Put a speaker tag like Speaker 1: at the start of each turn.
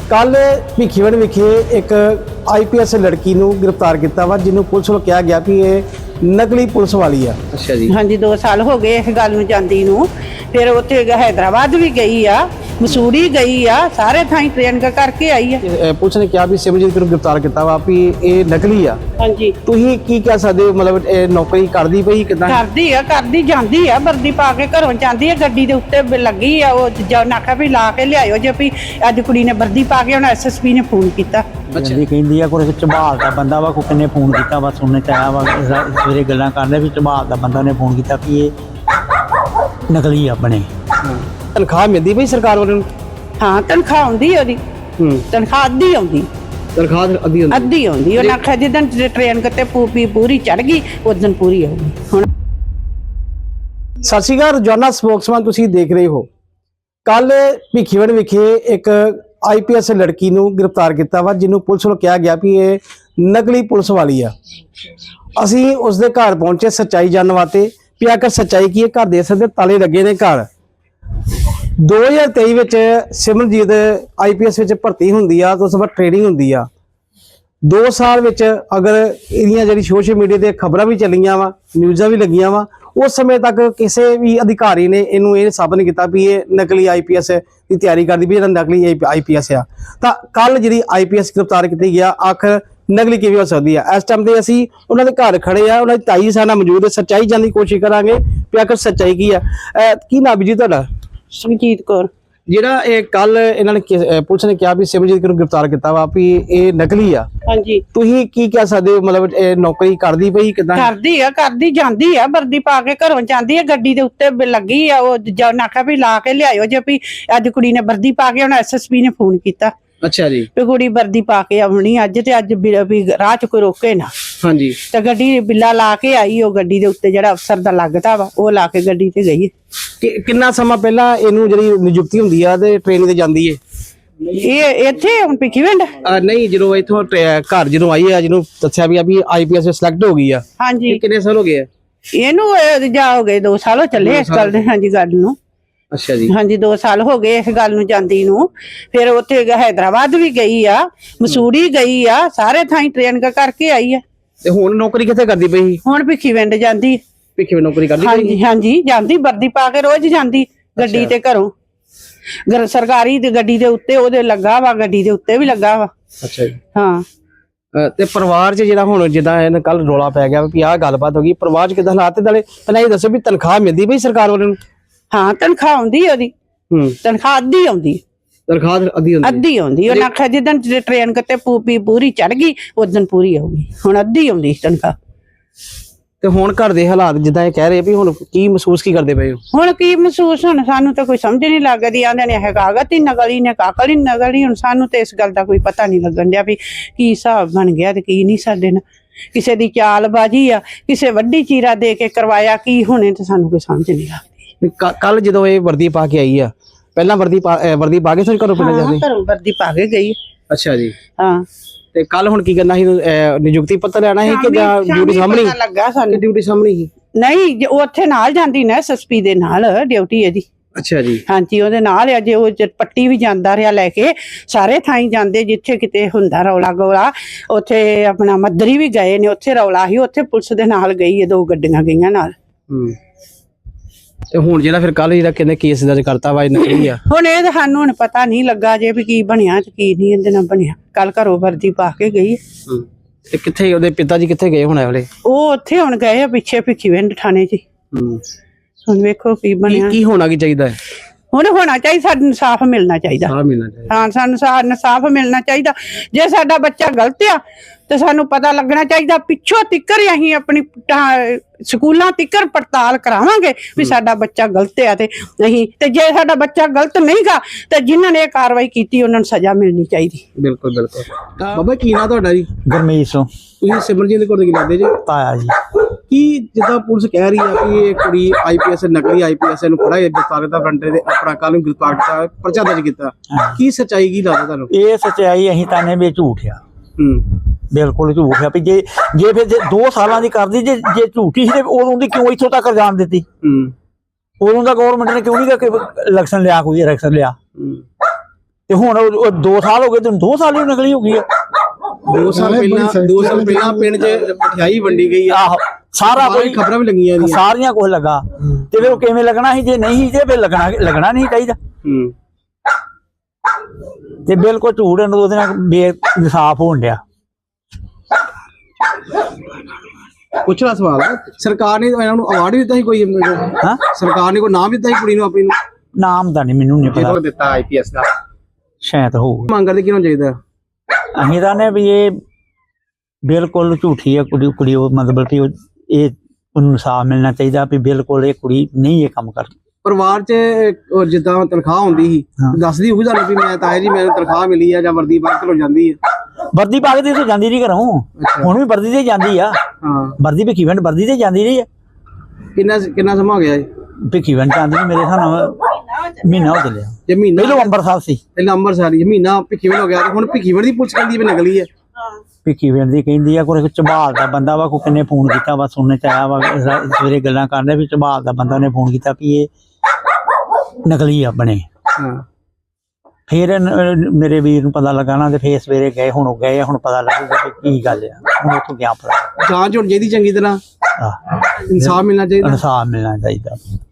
Speaker 1: ਕੱਲ ਭਿੱਖੀਵਿੰਡ ਵਿਖੇ ਇੱਕ IPS ਲੜਕੀ ਨੂੰ ਗ੍ਰਿਫਤਾਰ ਕੀਤਾ ਵਾ ਜਿਹਨੂੰ ਪੁਲਿਸ ਵੱਲੋਂ ਕਿਹਾ ਗਿਆ ਕਿ ਇਹ ਨਕਲੀ ਪੁਲਿਸ ਵਾਲੀ ਆ।
Speaker 2: ਅੱਛਾ ਜੀ।
Speaker 3: ਹਾਂਜੀ 2 ਸਾਲ ਹੋ ਗਏ ਇਸ ਗੱਲ ਨੂੰ ਜਾਂਦੀ ਨੂੰ। ਫਿਰ ਉੱਥੇ हैदराबाद ਵੀ ਗਈ ਆ, ਮਸੂਰੀ ਗਈ ਆ, ਸਾਰੇ ਥਾਈਂ ਟ੍ਰੇਨ ਕਰਕੇ ਆਈ ਆ।
Speaker 1: ਪੁਲਿਸ ਨੇ ਕਿਹਾ ਵੀ ਸਿਮਰਜੀਤ ਨੂੰ ਗ੍ਰਿਫਤਾਰ ਕੀਤਾ ਵਾ ਵੀ ਇਹ ਨਕਲੀ ਆ।
Speaker 3: ਹਾਂਜੀ
Speaker 1: ਤੁਸੀਂ ਕੀ ਕਹਿ ਸਕਦੇ ਹੋ, ਮਤਲਬ ਇਹ ਨੌਕਰੀ ਕਰਦੀ ਪਈ ਕਿਦਾਂ?
Speaker 3: ਕਰਦੀ ਜਾਂਦੀ ਆ, ਵਰਦੀ ਪਾ ਕੇ ਘਰੋਂ ਜਾਂਦੀ ਆ, ਗੱਡੀ ਦੇ ਉੱਤੇ ਲੱਗੀ ਆ। ਉਹ ਜਦ ਨਾਖਾ ਵੀ ਲਾ ਕੇ ਲਿਆਇਓ ਜੇ ਵੀ ਅੱਜ ਕੁੜੀ ਨੇ ਵਰਦੀ ਪਾ ਕੇ, ਹੁਣ SSP ਨੇ ਫੋਨ ਕੀਤਾ।
Speaker 4: ਜੀ ਕਹਿੰਦੀ ਆ ਕੋਈ ਝਬਾਲ ਦਾ ਬੰਦਾ ਵਾ, ਕੋਈ ਨੇ ਫੋਨ ਕੀਤਾ ਵਾ, ਸੁਣਨੇ ਚ ਆਇਆ ਵਾ ਸਵੇਰੇ ਗੱਲਾਂ ਕਰਦੇ ਵੀ ਝਬਾਲ ਦਾ ਬੰਦਾ ਨੇ ਫੋਨ ਕੀਤਾ ਵੀ ਇਹ ਨਕਲੀ ਆਪਣੇ।
Speaker 1: ਤਨਖਾਹ ਮਿਲਦੀ ਪਈ ਸਰਕਾਰ ਵੱਲੋਂ?
Speaker 3: ਹਾਂ ਤਨਖਾਹ ਆਉਂਦੀ ਉਹਦੀ। ਤਨਖਾਹ ਅੱਧੀ ਆਉਂਦੀ।
Speaker 1: ਤਨਖਾਹ ਅੱਧੀ
Speaker 3: ਆਉਂਦੀ। ਉਹਨਾਂ ਆਖਿਆ ਜਿੱਦਣ ਟ੍ਰੇਨ ਕਿਤੇ ਪੂਰੀ ਚੜ ਗਈ ਉਦੋਂ ਪੂਰੀ ਆਊਗੀ। ਹੁਣ
Speaker 1: ਸਤਿ ਸ਼੍ਰੀ ਅਕਾਲ, ਰੋਜ਼ਾਨਾ ਸਪੋਕਸਮੈਨ ਤੁਸੀਂ ਦੇਖ ਰਹੇ ਹੋ। ਕੱਲ ਭਿੱਖੀਵਿੰਡ ਵਿਖੇ ਇੱਕ IPS ਲੜਕੀ ਨੂੰ ਗ੍ਰਿਫਤਾਰ ਕੀਤਾ ਵਾ ਜਿਹਨੂੰ ਪੁਲਿਸ ਵੱਲੋਂ ਕਿਹਾ ਗਿਆ ਵੀ ਇਹ ਨਕਲੀ ਪੁਲਿਸ ਵਾਲੀ ਆ। ਅਸੀਂ ਉਸ ਦੇ ਘਰ ਪਹੁੰਚੇ ਸੱਚਾਈ ਜਾਣਨ ਵਾਸਤੇ ਵੀ ਆਖਰ ਸੱਚਾਈ ਕੀ ਹੈ। ਘਰ ਦੇ ਸਕਦੇ ਤਾਲੇ ਲੱਗੇ ਨੇ। ਘਰ 2023 ਵਿੱਚ ਸਿਮਰਜੀਤ IPS ਵਿੱਚ ਭਰਤੀ ਹੁੰਦੀ ਆ, ਤੋਂ ਉਸ ਤੋਂ ਬਾਅਦ ਟ੍ਰੇਨਿੰਗ ਹੁੰਦੀ ਆ। 2 ਸਾਲ ਵਿੱਚ ਅਗਰ ਇਹਦੀਆਂ ਜਿਹੜੀ ਸੋਸ਼ਲ ਮੀਡੀਆ ਤੇ ਖਬਰਾਂ ਵੀ ਚੱਲੀਆਂ ਵਾ, ਨਿਊਜ਼ਾਂ ਵੀ ਲੱਗੀਆਂ ਵਾ, ਉਸ ਸਮੇਂ ਤੱਕ ਕਿਸੇ ਵੀ ਅਧਿਕਾਰੀ ਨੇ ਇਹਨੂੰ ਇਹ ਸਾਬਤ ਨਹੀਂ ਕੀਤਾ ਵੀ ਇਹ ਨਕਲੀ IPS ਦੀ ਤਿਆਰੀ ਕਰਦੀ ਵੀ ਇਹਦਾ ਨਕਲੀ IPS ਆ। ਤਾਂ ਕੱਲ ਜਿਹੜੀ IPS ਗ੍ਰਿਫਤਾਰ ਕੀਤੀ ਗਿਆ, ਆਖਰ ਨਕਲੀ ਕਿਵੇਂ ਹੋ ਸਕਦੀ ਆ? ਇਸ ਟਾਈਮ ਤੇ ਅਸੀਂ ਉਹਨਾਂ ਦੇ ਘਰ ਖੜੇ ਆ, ਉਹਨਾਂ ਦੀ ਤਾਈ ਸਾਡੇ ਨਾਲ ਮੌਜੂਦ ਹੈ। ਸੱਚਾਈ ਜਾਣਨ ਦੀ ਕੋਸ਼ਿਸ਼ ਕਰਾਂਗੇ ਵੀ ਆਖਰ ਸੱਚਾਈ ਕੀ ਆ। ਕੀ ਨਾਮ ਜੀ ਤੁਹਾਡਾ?
Speaker 3: ਸੁਖਜੀਤ ਕੌਰ।
Speaker 1: ਜਿਹੜਾ ਇਹ ਕੱਲ ਇਹਨਾਂ ਨੇ ਪੁਲਿਸ ਨੇ ਕਿਹਾ ਵੀ ਸਿਮਰਜੀਤ ਨੂੰ ਗ੍ਰਿਫਤਾਰ ਕੀਤਾ ਵਾ ਵੀ ਇਹ ਨਕਲੀ ਆ,
Speaker 3: ਹਾਂਜੀ
Speaker 1: ਤੁਸੀਂ ਕੀ ਕਹਿ ਸਕਦੇ ਹੋ? ਮਤਲਬ ਇਹ ਨੌਕਰੀ ਕਰਦੀ ਪਈ ਕਿਦਾਂ?
Speaker 3: ਕਰਦੀ ਜਾਂਦੀ ਆ, ਵਰਦੀ ਪਾ ਕੇ ਘਰੋਂ ਜਾਂਦੀ ਆ, ਗੱਡੀ ਦੇ ਉੱਤੇ ਲੱਗੀ ਆ। ਉਹ ਜਦ ਨਾਖਾ ਵੀ ਲਾ ਕੇ ਲਿਆਇਓ ਜੇ ਵੀ ਅੱਜ ਕੁੜੀ ਨੇ ਵਰਦੀ ਪਾ ਕੇ, ਹੁਣ SSP ਨੇ ਫੋਨ ਕੀਤਾ।
Speaker 1: ਅੱਛਾ ਜੀ।
Speaker 3: ਵੀ ਕੁੜੀ ਵਰਦੀ ਪਾ ਕੇ ਆਉਣੀ ਅੱਜ, ਤੇ ਅੱਜ ਵੀ ਰਾਹ ਚ ਕੋਈ ਰੋਕੇ ਨਾ।
Speaker 1: ਹਾਂਜੀ।
Speaker 3: ਤੇ ਗੱਡੀ ਬਿੱਲਾ ਲਾ ਕੇ ਆਈ। ਉਹ ਗੱਡੀ ਦੇ ਉੱਤੇ ਜਿਹੜਾ ਅਫਸਰ ਦਾ ਲੱਗਦਾ ਵਾ ਉਹ ਲਾ ਕੇ ਗੱਡੀ ਤੇ ਗਈ।
Speaker 1: ਕਿੰਨਾ ਸਮਾਂ ਪਹਿਲਾਂ ਇਹਨੂੰ ਜਿਹੜੀ ਨਿਯੁਕਤੀ ਹੁੰਦੀ ਆ ਤੇ ਟ੍ਰੇਨਿੰਗ ਤੇ ਜਾਂਦੀ ਏ?
Speaker 3: ਇਹ ਇੱਥੇ ਹੁਣ ਭਿੱਖੀਵਿੰਡ
Speaker 1: ਨਹੀਂ, ਜਦੋਂ ਇੱਥੋਂ ਘਰ ਜਦੋਂ ਆਈ ਆ, ਜਿਹਨੂੰ ਦੱਸਿਆ ਵੀ IPS ਵਿੱਚ ਸਿਲੈਕਟ ਹੋ ਗਈ ਆ।
Speaker 3: ਹਾਂਜੀ।
Speaker 1: ਕਿੰਨੇ ਸਾਲ ਹੋ ਗਏ ਆ
Speaker 3: ਇਹਨੂੰ? ਜਾ ਹੋ ਗਏ 2 ਸਾਲ ਹੋ ਚੱਲੇ ਇਸ ਗੱਲ ਦੇ। ਹਾਂਜੀ ਗੱਲ ਨੂੰ।
Speaker 1: ਅੱਛਾ ਜੀ।
Speaker 3: ਹਾਂਜੀ 2 ਸਾਲ ਹੋ ਗਏ ਇਸ ਗੱਲ ਨੂੰ ਜਾਂਦੀ ਨੂੰ। ਫਿਰ ਉੱਥੇ हैदराबाद ਵੀ ਗਈ ਆ, ਮਸੂਰੀ ਗਈ ਆ, ਸਾਰੇ ਥਾਈਂ ਟ੍ਰੇਨ ਕਰਕੇ ਆਈ ਆ।
Speaker 1: ਤੇ ਹੁਣ ਨੌਕਰੀ ਕਿੱਥੇ ਕਰਦੀ ਪਈ?
Speaker 3: ਹੁਣ ਭਿੱਖੀਵਿੰਡ ਜਾਂਦੀ।
Speaker 1: ਭਿੱਖੀਵਿੰਡ ਨੌਕਰੀ ਕਰਦੀ ਪਈ?
Speaker 3: ਹਾਂਜੀ ਜਾਂਦੀ, ਵਰਦੀ ਪਾ ਕੇ ਰੋਜ਼ ਜਾਂਦੀ ਗੱਡੀ ਤੇ ਘਰੋਂ। ਸਰਕਾਰੀ ਦੀ ਗੱਡੀ ਦੇ ਉੱਤੇ ਉਹਦੇ ਲੱਗਾ ਵਾ, ਗੱਡੀ ਦੇ ਉੱਤੇ ਵੀ ਲੱਗਾ ਵਾ।
Speaker 1: ਅੱਛਾ ਜੀ।
Speaker 3: ਹਾਂ।
Speaker 1: ਤੇ ਪਰਿਵਾਰ 'ਚ ਜਿਹੜਾ ਹੁਣ ਜਿੱਦਾਂ ਇਹਨਾਂ ਕੱਲ ਰੌਲਾ ਪੈ ਗਿਆ ਵੀ ਆਹ ਗੱਲਬਾਤ ਹੋ ਗਈ, ਪਰਿਵਾਰ 'ਚ ਕਿੱਦਾਂ ਹਾਲਾਤ? ਨਾਲੇ ਪਹਿਲਾਂ ਇਹ ਦੱਸੋ ਵੀ ਤਨਖਾਹ ਮਿਲਦੀ ਪਈ ਸਰਕਾਰ ਵੱਲੋਂ?
Speaker 3: ਹਾਂ ਤਨਖਾਹ ਆਉਂਦੀ ਉਹਦੀ। ਤਨਖਾਹ ਅੱਧੀ ਆਉਂਦੀ।
Speaker 1: ਤਨਖਾਹ ਅੱਧੀ
Speaker 3: ਆਉਂਦੀ। ਉਹਨਾਂ ਆਖਿਆ ਜਿੱਦਣ ਟ੍ਰੇਨ ਕਿਤੇ ਪੂਰੀ ਚੜ ਗਈ ਉਦੋਂ ਪੂਰੀ ਆਊਗੀ। ਹੁਣ ਅੱਧੀ ਆਉਂਦੀ ਤਨਖਾਹ।
Speaker 1: ਤੇ ਹੁਣ ਘਰ ਦੇ ਹਾਲਾਤ ਜਿੱਦਾਂ ਇਹ ਕਹਿ ਰਹੇ ਵੀ ਹੁਣ ਕੀ ਮਹਿਸੂਸ ਕੀ ਕਰਦੇ ਪਏ ਹੋ?
Speaker 3: ਹੁਣ ਕੀ ਮਹਿਸੂਸ? ਹੁਣ ਸਾਨੂੰ ਤਾਂ ਕੋਈ ਸਮਝ ਨਹੀਂ ਲੱਗਦੀ। ਆਂਦੇ ਨੇ ਕਾਗਜ਼ ਹੀ ਨਕਲੀ ਨੇ, ਕਾਕਲ ਹੀ ਨਕਲੀ। ਹੁਣ ਸਾਨੂੰ ਤੇ ਇਸ ਗੱਲ ਦਾ ਕੋਈ ਪਤਾ ਨਹੀਂ ਲੱਗਣ ਡਿਆ ਵੀ ਕੀ ਹਿਸਾਬ ਬਣ ਗਿਆ ਤੇ ਕੀ ਨਹੀਂ। ਸਾਡੇ ਨਾਲ ਕਿਸੇ ਦੀ ਚਾਲਬਾਜ਼ੀ ਆ, ਕਿਸੇ ਵੱਡੀ ਚੀਰਾ ਦੇ ਕੇ ਕਰਵਾਇਆ, ਕੀ ਹੋਣੇ ਤੇ ਸਾਨੂੰ ਕੋਈ ਸਮਝ ਨਹੀਂ ਲੱਗਦੀ।
Speaker 1: ਕੱਲ ਜਦੋਂ ਇਹ ਵਰਦੀ ਪਾ ਕੇ ਆਈ ਆ, ਪਹਿਲਾਂ ਵਰਦੀ ਪਾ ਕੇ ਫਿਰ ਘਰੋਂ ਪਿੰਡ ਜਾਂਦੇ?
Speaker 3: ਘਰੋਂ ਵਰਦੀ ਪਾ ਕੇ ਗਈ।
Speaker 1: ਅੱਛਾ ਜੀ।
Speaker 3: ਹਾਂ।
Speaker 1: ਤੇ ਕੱਲ ਹੁਣ ਕੀ ਕਰਨਾ ਸੀ? ਨਿਯੁਕਤੀ ਪੱਤਰ ਲੈਣਾ ਸੀ ਕਿ ਜਾਂ ਡਿਊਟੀ ਸਾਹਮਣੇ
Speaker 3: ਲੱਗਾ ਸਾਨੂੰ?
Speaker 1: ਡਿਊਟੀ ਸਾਹਮਣੇ ਹੀ
Speaker 3: ਨਹੀਂ, ਉਹ ਉੱਥੇ ਨਾਲ ਜਾਂਦੀ ਨਾ SSP ਦੇ ਨਾਲ ਡਿਊਟੀ ਇਹਦੀ।
Speaker 1: ਅੱਛਾ ਜੀ।
Speaker 3: ਹਾਂਜੀ ਉਹਦੇ ਨਾਲ ਅਜੇ ਉਹ ਪੱਟੀ ਵੀ ਜਾਂਦਾ ਰਿਹਾ ਲੈ ਕੇ, ਸਾਰੇ ਥਾਈਂ ਜਾਂਦੇ ਜਿੱਥੇ ਕਿਤੇ ਹੁੰਦਾ ਰੌਲਾ ਗੋਲਾ। ਉੱਥੇ ਆਪਣਾ ਮੱਦਰੀ ਵੀ ਗਏ ਨੇ, ਉੱਥੇ ਰੌਲਾ ਸੀ, ਉੱਥੇ ਪੁਲਿਸ ਦੇ ਨਾਲ ਗਈ ਹੈ, 2 ਗੱਡੀਆਂ ਗਈਆਂ ਨਾਲ।
Speaker 1: ਤੇ ਹੁਣ ਜਿਹੜਾ ਫਿਰ ਕੱਲ ਜਿਹੜਾ ਕਹਿੰਦੇ ਕੇਸ ਦਰਜ ਕਰਤਾ ਵਾ, ਨਕਲੀ ਆ। ਹੁਣ
Speaker 3: ਇਹ ਤਾਂ ਸਾਨੂੰ ਹੁਣ ਪਤਾ ਨਹੀਂ ਲੱਗਾ ਜੇ ਵੀ ਕੀ ਬਣਿਆ ਤੇ ਕੀ ਨਹੀਂ ਇਹਦੇ ਨਾਲ ਬਣਿਆ। ਕੱਲ ਘਰੋਂ ਵਰਦੀ ਪਾ ਕੇ ਗਈ।
Speaker 1: ਤੇ ਕਿੱਥੇ ਉਹਦੇ ਪਿਤਾ ਜੀ ਕਿੱਥੇ ਗਏ ਹੁਣ ਵਾਲੇ?
Speaker 3: ਉਹ ਉੱਥੇ ਹੁਣ ਗਏ ਆ ਪਿੱਛੇ ਭਿੱਖੀਵਿੰਡ ਥਾਣੇ 'ਚ। ਹੁਣ ਵੇਖੋ ਕੀ ਬਣਿਆ।
Speaker 1: ਕੀ ਹੋਣਾ ਕੀ ਚਾਹੀਦਾ ਹੈ?
Speaker 3: ਹੁਣ ਹੋਣਾ ਚਾਹੀਦਾ, ਸਾਨੂੰ ਇਨਸਾਫ ਮਿਲਣਾ ਚਾਹੀਦਾ। ਹਾਂ ਸਾਨੂੰ ਇਨਸਾਫ ਮਿਲਣਾ ਚਾਹੀਦਾ। ਜੇ ਸਾਡਾ ਬੱਚਾ ਗਲਤ ਆ ਤੇ ਸਾਨੂੰ ਪਤਾ ਲੱਗਣਾ ਚਾਹੀਦਾ। ਪਿੱਛੋਂ ਤਿੱਕਰ ਅਸੀਂ ਆਪਣੀ ਸਕੂਲਾਂ ਤਿੱਕਰ ਪੜਤਾਲ ਕਰਾਵਾਂਗੇ ਵੀ ਸਾਡਾ ਬੱਚਾ ਗਲਤ ਆ ਤੇ ਨਹੀਂ। ਤੇ ਜੇ ਸਾਡਾ ਬੱਚਾ ਗਲਤ ਨਹੀਂਗਾ ਤੇ ਜਿਨ੍ਹਾਂ ਨੇ ਇਹ ਕਾਰਵਾਈ ਕੀਤੀ ਉਹਨਾਂ ਨੂੰ ਸਜ਼ਾ ਮਿਲਣੀ ਚਾਹੀਦੀ।
Speaker 1: ਬਿਲਕੁਲ। ਬਾਬਾ ਕੀ ਨਾਂ ਤੁਹਾਡਾ ਜੀ?
Speaker 4: ਗਰਮੀਤ ਸਿੰਘ।
Speaker 1: ਤੁਸੀਂ ਸਿਮਰਜੀਤ ਦੇ ਕੋਲ ਕੀ ਲੱਗਦੇ ਜੀ?
Speaker 4: ਤਾਇਆ ਜੀ।
Speaker 1: ਕੀ ਜਿੱਦਾਂ ਪੁਲਿਸ ਕਹਿ ਰਹੀ ਆ ਕਿ ਇਹ ਕੁੜੀ IPS ਨਕਲੀ IPS ਨੂੰ ਫੜਾ ਗ੍ਰਿਫਤਾਰ ਕੀਤਾ, ਫਰੰਟੇ ਦੇ ਆਪਣਾ ਕੱਲ ਨੂੰ ਗ੍ਰਿਫਤਾਰ ਕੀਤਾ, ਪਰਚਾ ਦਰਜ ਕੀਤਾ, ਕੀ ਸੱਚਾਈ ਕੀ ਲੱਗਦਾ ਤੁਹਾਨੂੰ?
Speaker 4: ਇਹ ਸੱਚਾਈ ਅਸੀਂ ਤਾਂ ਵੀ ਝੂਠ ਆ। ਬਿਲਕੁਲ ਝੂਠ ਆ। ਵੀ ਜੇ ਫਿਰ 2 ਸਾਲਾਂ ਦੀ ਕਰਦੀ, ਜੇ ਝੂਠੀ ਸੀ ਤੇ ਉਦੋਂ ਦੀ ਕਿਉਂ ਇੱਥੋਂ ਤੱਕ ਜਾਣ ਦਿੱਤੀ? ਉਦੋਂ ਦਾ ਗਵਰਨਮੈਂਟ ਨੇ ਕਿਉਂ ਨਹੀਂ ਇਲੈਕਸ਼ਨ ਲਿਆ? ਕੋਈ ਇਲੈਕਸ਼ਨ ਲਿਆ? ਤੇ ਹੁਣ ਉਹ 2 ਸਾਲ ਹੋ ਗਏ, ਤੈਨੂੰ 2 ਸਾਲ ਹੀ ਨਕਲੀ ਹੋ ਗਈ ਆ।
Speaker 1: 2 ਸਾਲ ਪਹਿਲਾਂ ਪਿੰਡ 'ਚ ਮਠਿਆਈ ਵੰਡੀ ਗਈ ਆ,
Speaker 4: ਆਹੋ ਸਾਰਾ ਕੋਈ
Speaker 1: ਖਬਰਾਂ ਵੀ ਲੱਗੀਆਂ ਇਹਦੀਆਂ।
Speaker 4: ਸਾਰੀਆਂ ਕੁਝ ਲੱਗਾ ਤੇ ਫਿਰ ਉਹ ਕਿਵੇਂ ਲੱਗਣਾ ਸੀ, ਜੇ ਨਹੀਂ ਤੇ ਫਿਰ ਲੱਗਣਾ ਨਹੀਂ ਚਾਹੀਦਾ। ਤੇ ਬਿਲਕੁਲ ਝੂਠ ਉਹਦੇ ਨਾਲ ਬੇਇਨਸਾਫ ਹੋਣ ਡਿਆ।
Speaker 1: ਪੁੱਛਣਾ ਸਵਾਲ ਹੈ, ਸਰਕਾਰ ਨੇ ਇਹਨਾਂ ਨੂੰ ਅਵਾਰਡ ਵੀ ਦਿੱਤਾ ਸੀ ਕੋਈ?
Speaker 4: ਹਾਂ,
Speaker 1: ਸਰਕਾਰ ਨੇ ਕੋਈ ਨਾਮ ਦਿੱਤਾ ਸੀ ਕੁੜੀ ਨੂੰ ਆਪਣੀ ਨੂੰ?
Speaker 4: ਨਾਮ ਦਾ ਨਹੀਂ ਮੈਨੂੰ ਨਹੀਂ ਪਤਾ,
Speaker 1: ਦਿੱਤਾ ਆਈਪੀਐਸ ਦਾ
Speaker 4: ਸ਼ਾਇਦ ਹੋਊ।
Speaker 1: ਮੰਗ ਕਰਦੇ ਕਿਉਂ ਚਾਹੀਦਾ?
Speaker 4: ਅਸੀਂ ਤਾਂ ਨੇ ਵੀ ਇਹ ਬਿਲਕੁਲ ਝੂਠੀ ਹੈ ਕੁੜੀ ਉਹ ਮਤਲਬ ਕਿ ਇਹ ਉਹਨੂੰ ਇਨਸਾਫ ਮਿਲਣਾ ਚਾਹੀਦਾ ਵੀ ਬਿਲਕੁਲ ਇਹ ਕੁੜੀ ਨਹੀਂ ਇਹ ਕੰਮ ਕਰਦੀ।
Speaker 1: ਪਰਿਵਾਰ 'ਚ ਉਹ ਜਿੱਦਾਂ ਤਨਖਾਹ ਹੁੰਦੀ ਸੀ ਦੱਸਦੀ ਹੋਊ ਤੁਹਾਨੂੰ ਵੀ ਮੈਂ ਤਾਇਆ ਜੀ ਮੈਨੂੰ ਤਨਖਾਹ ਮਿਲੀ ਆ, ਜਾਂ ਵਰਦੀ ਪਾ ਕੇ ਜਾਂਦੀ ਆ?
Speaker 4: ਵਰਦੀ ਪਾ ਕੇ ਤੇ ਇੱਥੋਂ ਜਾਂਦੀ ਨਹੀਂ ਘਰੋਂ, ਹੁਣ ਵੀ ਵਰਦੀ ਤੇ ਜਾਂਦੀ ਆ।
Speaker 1: ਹਾਂ,
Speaker 4: ਵਰਦੀ ਭਿੱਖੀਵਿੰਡ ਵਰਦੀ ਤੇ ਜਾਂਦੀ ਰਹੀ ਆ।
Speaker 1: ਕਿੰਨਾ ਸਮਾਂ ਹੋ ਗਿਆ ਇਹ?
Speaker 4: ਭਿੱਖੀਵਿੰਡ ਜਾਂਦੀ ਨੂੰ ਮੇਰੇ ਹਿਸਾਬ ਮਹੀਨਾ ਹੋ ਚੱਲਿਆ।
Speaker 1: ਜੇ ਮਹੀਨਾ
Speaker 4: ਪਹਿਲਾਂ ਅੰਮ੍ਰਿਤਸਰ ਸੀ,
Speaker 1: ਪਹਿਲਾਂ ਅੰਮ੍ਰਿਤਸਰ ਮਹੀਨਾ ਭਿੱਖੀਵਿੰਡ ਹੋ ਗਿਆ, ਤੇ ਹੁਣ ਭਿੱਖੀਵਿੰਡ ਦੀ ਪੁਲਿਸ ਕਹਿੰਦੀ ਵੀ ਨਕਲੀ ਹੈ।
Speaker 4: ਭਿੱਖੀਵਿੰਡ ਦੀ ਕਹਿੰਦੀ ਆ ਕੋਈ ਝਬਾਲ ਦਾ ਬੰਦਾ ਵਾ, ਕੋਈ ਕਿੰਨੇ ਫੋਨ ਕੀਤਾ ਵਾ, ਸੁਣਨੇ ਚ ਆਇਆ ਵਾ ਸਵੇਰੇ ਗੱਲਾਂ ਕਰਦੇ ਵੀ ਝਬਾਲ ਦਾ ਬੰਦਾ ਨੇ ਫੋਨ ਕੀਤਾ ਵੀ ਇਹ ਨਕਲੀ ਆ ਬਣੇ।
Speaker 1: ਹਾਂ,
Speaker 4: ਫਿਰ ਮੇਰੇ ਵੀਰ ਨੂੰ ਪਤਾ ਲੱਗਾ ਨਾ, ਤੇ ਫੇਰ ਸਵੇਰੇ ਗਏ, ਹੁਣ ਉਹ ਗਏ, ਹੁਣ ਪਤਾ ਲੱਗੂਗਾ ਕਿ ਕੀ ਗੱਲ ਆ। ਹੁਣ ਉੱਥੋਂ ਗਿਆ ਪਤਾ
Speaker 1: ਜਾਂਚ ਹੋਣੀ ਚਾਹੀਦੀ ਚੰਗੀ ਤਰ੍ਹਾਂ, ਇਨਸਾਫ ਮਿਲਣਾ ਚਾਹੀਦਾ।
Speaker 4: ਇਨਸਾਫ ਮਿਲਣਾ ਚਾਹੀਦਾ।